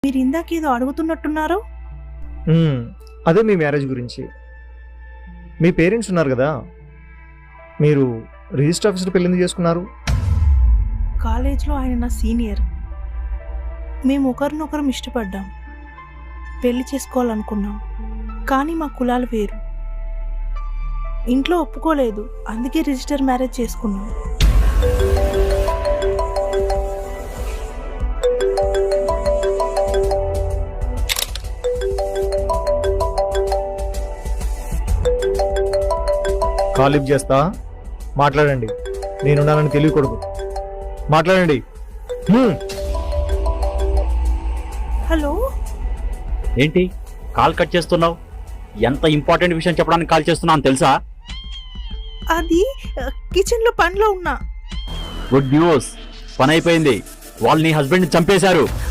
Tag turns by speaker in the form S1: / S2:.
S1: మీరు ఇందాక ఏదో అడుగుతున్నట్టున్నారు.
S2: అదే మీ మ్యారేజ్ గురించి. మీ పేరెంట్స్ ఉన్నారు కదా, మీరు రిజిస్టర్ ఆఫీసర్ పెళ్ళి ఎందుకు చేసుకున్నారు?
S1: కాలేజ్లో ఆయన నా సీనియర్. మేము ఒకరినొకరం ఇష్టపడ్డాం, పెళ్లి చేసుకోవాలనుకున్నాం. కానీ మా కులాలు వేరు, ఇంట్లో ఒప్పుకోలేదు. అందుకే రిజిస్టర్ మ్యారేజ్ చేసుకున్నాం.
S2: కాల్ లిఫ్ట్ చేస్తా, మాట్లాడండి. నేనున్నానని తెలియకూడదు, మాట్లాడండి.
S1: హలో,
S3: ఏంటి కాల్ కట్ చేస్తున్నావు? ఎంత ఇంపార్టెంట్ విషయం చెప్పడానికి కాల్ చేస్తున్నాను తెలుసా?
S1: అది కిచెన్లో పనిలో ఉన్నా.
S3: గుడ్ న్యూస్, పని అయిపోయింది. వాళ్ళు నీ హస్బెండ్ని చంపేశారు.